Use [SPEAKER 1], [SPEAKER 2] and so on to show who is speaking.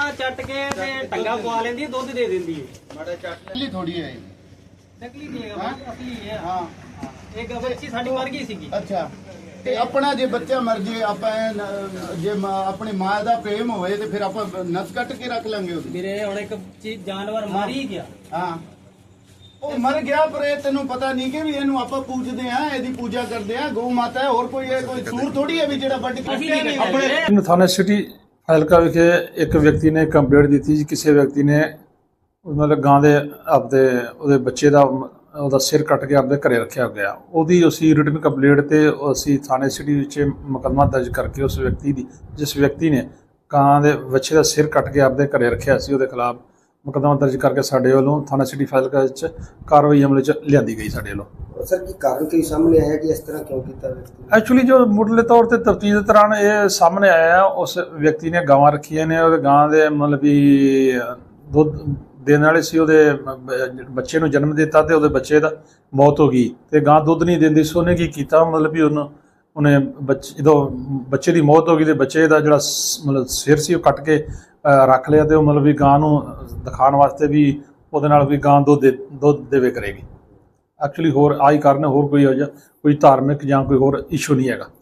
[SPEAKER 1] ਚੱਟ ਕੇ ਤੇ ਟੰਗਾ ਪਵਾ ਲੈਂਦੀ, ਦੁੱਧ ਦੇ ਦਿੰਦੀ ਹੈ।
[SPEAKER 2] ਮਾੜਾ ਚੱਟ ਲਈ ਥੋੜੀ ਹੈ
[SPEAKER 1] ਨਕਲੀ ਨਹੀਂ ਹੈਗਾ, ਅਸਲੀ ਹੈ।
[SPEAKER 2] ਹਾਂ
[SPEAKER 1] ਇੱਕ ਬੱਚੀ ਸਾਡੀ ਮਰ ਗਈ ਸੀਗੀ।
[SPEAKER 2] ਅੱਛਾ ਤੇ ਆਪਣਾ ਜੇ ਬੱਚਾ ਮਰ ਜੇ ਆਪਾਂ ਜੇ ਆਪਣੀ ਮਾਂ ਦਾ ਪ੍ਰੇਮ ਹੋਵੇ ਤੇ ਫਿਰ ਆਪਾਂ ਨਸ ਕੱਟ ਕੇ ਰੱਖ ਲਾਂਗੇ ਉਹਦੀ।
[SPEAKER 1] ਵੀਰੇ ਹੁਣ ਇੱਕ ਚੀਜ਼ ਜਾਨਵਰ ਮਰ ਹੀ ਗਿਆ।
[SPEAKER 2] ਹਾਂ ਉਹ ਮਰ ਗਿਆ, ਪਰ ਇਹ ਤੈਨੂੰ ਪਤਾ ਨਹੀਂ ਕਿ ਵੀ ਇਹਨੂੰ ਆਪਾਂ ਪੂਜਦੇ ਆ, ਇਹਦੀ ਪੂਜਾ ਕਰਦੇ ਆ। ਗਊ ਮਾਤਾ ਹੈ, ਹੋਰ ਕੋਈ ਕੋਈ ਸੂਰ ਥੋੜੀ ਹੈ ਵੀ ਜਿਹੜਾ ਵੱਢ ਕੇ
[SPEAKER 3] ਆਪਣੇ ਥਾਣਾ ਸਿਟੀ ਹਲਕਾ ਵਿਖੇ ਇੱਕ ਵਿਅਕਤੀ ਨੇ ਕੰਪਲੇਂਟ ਦਿੱਤੀ ਜੀ, ਕਿਸੇ ਵਿਅਕਤੀ ਨੇ ਮਤਲਬ ਗਾਂ ਦੇ ਆਪਦੇ ਉਹਦੇ ਬੱਚੇ ਦਾ ਉਹਦਾ ਸਿਰ ਕੱਟ ਕੇ ਆਪਦੇ ਘਰੇ ਰੱਖਿਆ ਗਿਆ। ਉਹਦੀ ਅਸੀਂ ਰਿਟਨ ਕੰਪਲੇਂਟ ਤੇ ਅਸੀਂ ਥਾਣੇ ਸਿਟੀ ਵਿੱਚ ਮੁਕੱਦਮਾ ਦਰਜ ਕਰਕੇ ਉਸ ਵਿਅਕਤੀ ਦੀ, ਜਿਸ ਵਿਅਕਤੀ ਨੇ ਗਾਂ ਦੇ ਬੱਚੇ ਦਾ ਸਿਰ ਕੱਟ ਕੇ ਆਪਦੇ ਘਰੇ ਰੱਖਿਆ ਸੀ, ਉਹਦੇ ਖਿਲਾਫ ਮੁਕੱਦਮਾ ਦਰਜ ਕਰਕੇ ਸਾਡੇ ਵੱਲੋਂ ਥਾਣਾ ਸਿਟੀ ਫਾਜ਼ਿਲਕਾ ਵਿੱਚ ਕਾਰਵਾਈ ਅਮਲ 'ਚ ਲਿਆਂਦੀ ਗਈ ਸਾਡੇ ਵੱਲੋਂ।
[SPEAKER 4] ਸਰ ਕੀ ਕਾਰਨ ਕੀ ਸਾਹਮਣੇ ਆਇਆ ਕਿ ਇਸ ਤਰ੍ਹਾਂ ਕਿਉਂ ਕੀਤਾ ਵਿਅਕਤੀ?
[SPEAKER 3] ਐਕਚੁਅਲੀ ਜੋ ਮੁੱਢਲੇ ਤੌਰ ਤੇ ਤਫਤੀਸ਼ ਦੇ ਦੌਰਾਨ ਇਹ ਸਾਹਮਣੇ ਆਇਆ, ਉਸ ਵਿਅਕਤੀ ਨੇ ਗਾਵਾਂ ਰੱਖੀਆਂ ਨੇ, ਉਹਦੇ ਗਾਂ ਦੇ ਮਤਲਬ ਵੀ ਦੁੱਧ ਦੇਣ ਵਾਲੇ ਸੀ, ਉਹਦੇ ਬੱਚੇ ਨੂੰ ਜਨਮ ਦਿੱਤਾ ਤੇ ਉਹਦੇ ਬੱਚੇ ਦਾ ਮੌਤ ਹੋ ਗਈ ਤੇ ਗਾਂ ਦੁੱਧ ਨਹੀਂ ਦਿੰਦੀ ਸੀ। ਉਹਨੇ ਕੀ ਕੀਤਾ, ਮਤਲਬ ਵੀ ਉਹਨੇ ਜਦੋਂ ਬੱਚੇ ਦੀ ਮੌਤ ਹੋ ਗਈ ਤੇ ਬੱਚੇ ਦਾ ਜਿਹੜਾ ਮਤਲਬ ਸਿਰ ਸੀ ਉਹ ਕੱਟ ਕੇ ਰੱਖ ਲਿਆ ਤੇ ਉਹ ਮਤਲਬ ਵੀ ਗਾਂ ਨੂੰ ਦਿਖਾਉਣ ਵਾਸਤੇ ਵੀ ਉਹਦੇ ਨਾਲ ਵੀ ਗਾਂ ਦੁੱਧ ਦੇਵੇ ਕਰੇਗੀ। ਐਕਚੁਅਲੀ ਹੋਰ ਆਹੀ ਕਾਰਨ, ਹੋਰ ਕੋਈ ਧਾਰਮਿਕ ਜਾਂ ਕੋਈ ਹੋਰ ਇਸ਼ੂ ਨਹੀਂ ਹੈਗਾ।